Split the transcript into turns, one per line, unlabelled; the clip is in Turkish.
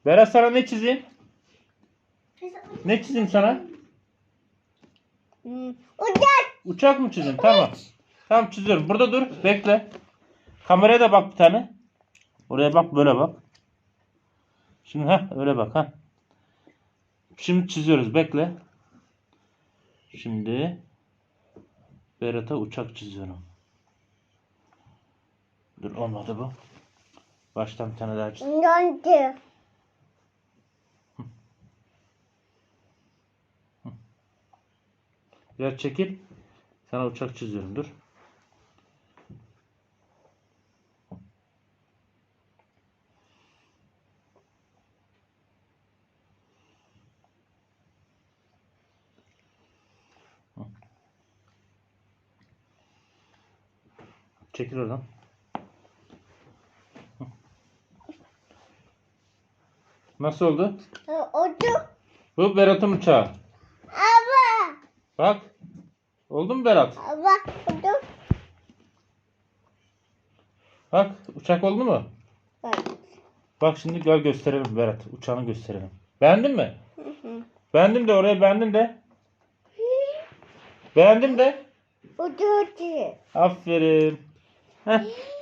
Berat sana ne çizeyim? Ne çizeyim sana?
Uçak.
Uçak mı çizeyim? Tamam. Tamam çiziyorum. Burada dur. Bekle. Kameraya da bak bir tane. Oraya bak, böyle bak. Şimdi öyle bak ha. Şimdi çiziyoruz. Bekle. Şimdi Berat'a uçak çiziyorum. Dur, olmadı bu. Baştan bir tane daha çiz.
Yandı.
Biraz çekil. Sana uçak çiziyorum. Dur. Çekil oradan. Nasıl oldu?
Uçak.
Bu Berat'ın uçağı.
Ama.
Bak. Oldu mu Berat?
Ama. Uçak.
Bak. Uçak oldu mu? Bak şimdi gel gösterelim Berat. Uçağını gösterelim. Beğendin mi? Beğendim de, oraya beğendim de. Beğendim de.
Uçak.
Aferin. Heh.